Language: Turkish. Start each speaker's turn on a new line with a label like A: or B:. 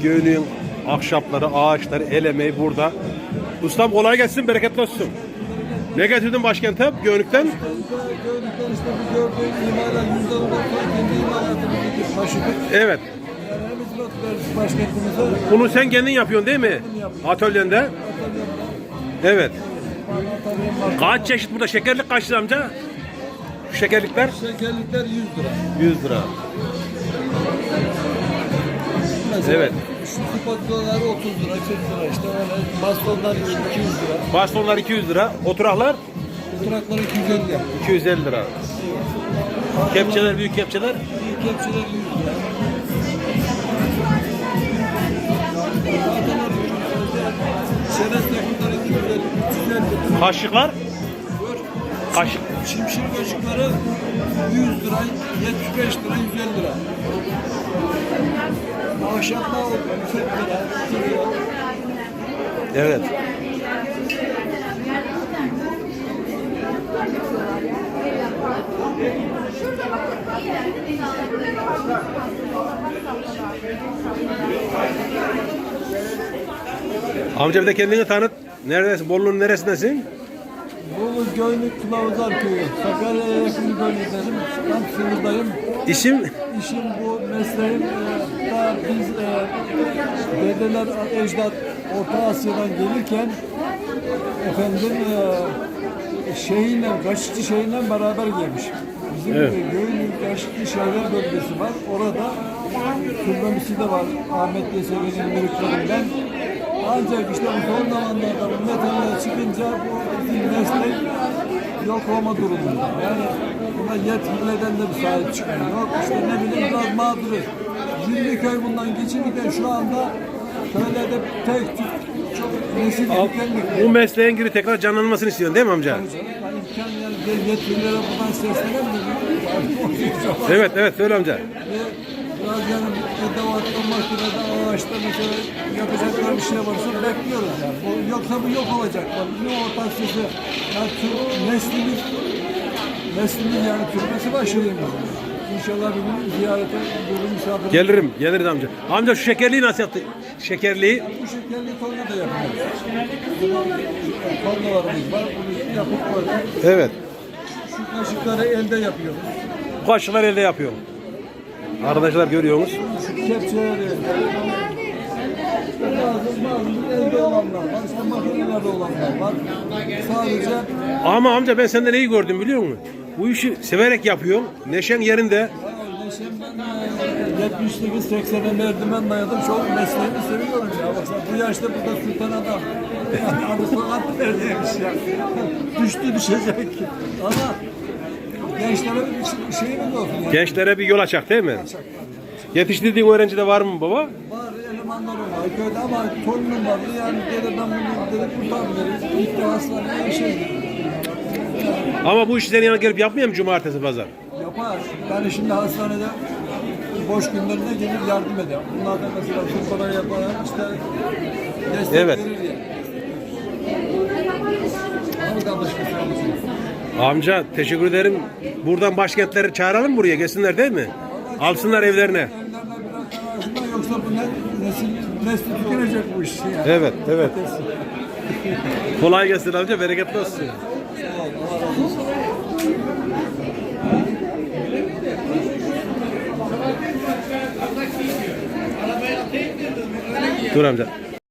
A: Göynüğün ahşapları, ağaçları, el emeği burada. Ustam kolay gelsin, bereketli olsun. Ne getirdin başkente Göynük'ten?
B: Göynük'ten işte bu gördüğün imalat %10 kendi imalatımızı taşıdık.
A: Evet.
B: Yani hem hizmet verdik başkentimize.
A: Bunu sen kendin yapıyorsun değil mi? Atölyende. Evet. Kaç çeşit burada? Şekerlik kaç lira amca? Şu şekerlikler?
B: Şekerlikler 100 lira.
A: 100 lira.
B: Mesela
A: Evet.
B: şu spatulalar 30 lira, 40 lira işte öyle. Bastonlar 200 lira.
A: Bastonlar 200 lira. Oturaklar?
B: Oturaklar 250 lira.
A: 250 lira. Kepçeler, büyük kepçeler?
B: Büyük kepçeler 100 lira. Şeres takımları 250, 350 lira.
A: Kaşıklar? Kaşık.
B: Şimşir kaşıkları 100 lira, 75 lira, 150 lira. Ahşaplar 40 lira, 40 lira.
A: Evet. Amca bir de kendini tanıt. Neredesin? Bolu'nun neresindesin?
B: Bolu Göynük Kılavuzlar Köyü. Sakarya'ya yakın bir bölgedeyim. Tam sınırdayım.
A: İsim?
B: İşim bu, mesleğim da biz dedeler, ecdat Orta Asya'dan gelirken efendim şeyinle, Kaşıkçı şeyinle beraber gelmiş. Bizim
A: Evet.
B: Göynük Kaşıkçı Şehirler bölgesi var. Orada türbemisi de var. Ahmet Yesevi'nin müritlerinden. Ancak işte bu son zamanlarda bu metaller çıkınca bu bizim meslek yok olma durumunda. Yani buna yetkililerden de bir sahip çıkmıyor. Yok işte ne bileyim biraz mağduruz. 20 köy bundan geçinirken şu anda köylerde tek tük çok nesil tükenlik.
A: Bu mesleğin gibi tekrar canlanmasını istiyorsun değil mi amca?
B: İmkan yani yetkililere buradan seslenen de
A: Evet, evet söyle amca.
B: biraz yani edevatlı makinede ağaçta mesela yapacaklar bir şey varsa bekliyoruz yani. Bu, yoksa bu yok olacak. Bu ortak sesi yani neslimiz yani türbesi başlayayım. İnşallah bir gün ziyarete bölüm misafir.
A: Gelirim, geliriz amca. Amca şu şekerliği nasıl yaptı? Şekerliği.
B: Bu şekerli torna da yapıyoruz. Tornalarımız var. Bunu yapıp koyduk.
A: Evet.
B: Şu kaşıkları elde yapıyoruz.
A: Bu kaşıklar elde yapıyor. Arkadaşlar görüyorsunuz.
B: Şu kepçeleri elde. Bazı elde olanlar var. İşte makinelerde olanlar var. Sadece
A: Ama amca ben senden neyi gördüm biliyor musun? Bu işi severek yapıyorsun. Neşen yerinde.
B: ben 78-80'e merdiven dayadım. Çok mesleğimi seviyorum ya. Baksana bu yaşta burada sultan adam. Adı sanat neredeymiş ya. Düştü düşecek. Ama gençlere bir şeyimiz olsun. Yani.
A: Gençlere bir yol açacak değil mi? Yetiştirdiğin öğrenci de var mı baba?
B: Var elemanlarım var köyde ama torunum var. Yani dedi ben bunu dedi kurtarmıyorum. İlk de hastaneye bir şey
A: Ama bu işi senin yanına gelip yapmıyor mu cumartesi pazar?
B: yapar. Yani şimdi hastanede boş günlerinde gelir yardım eder. Bunlar da mesela fırfara yapar, işte destek
A: Evet.
B: verir ya. Ama da başka sorumlusun.
A: Amca teşekkür ederim. Buradan başkentleri çağıralım buraya gelsinler değil mi? Alsınlar evlerine.
B: Evlerine biraz daha yoksa bu nesli tükenecek bu iş. Yani.
A: Evet, evet. Kolay gelsin amca, bereketli olsun.
B: Sağ ol, Allah razı olsun.
A: Dur amca.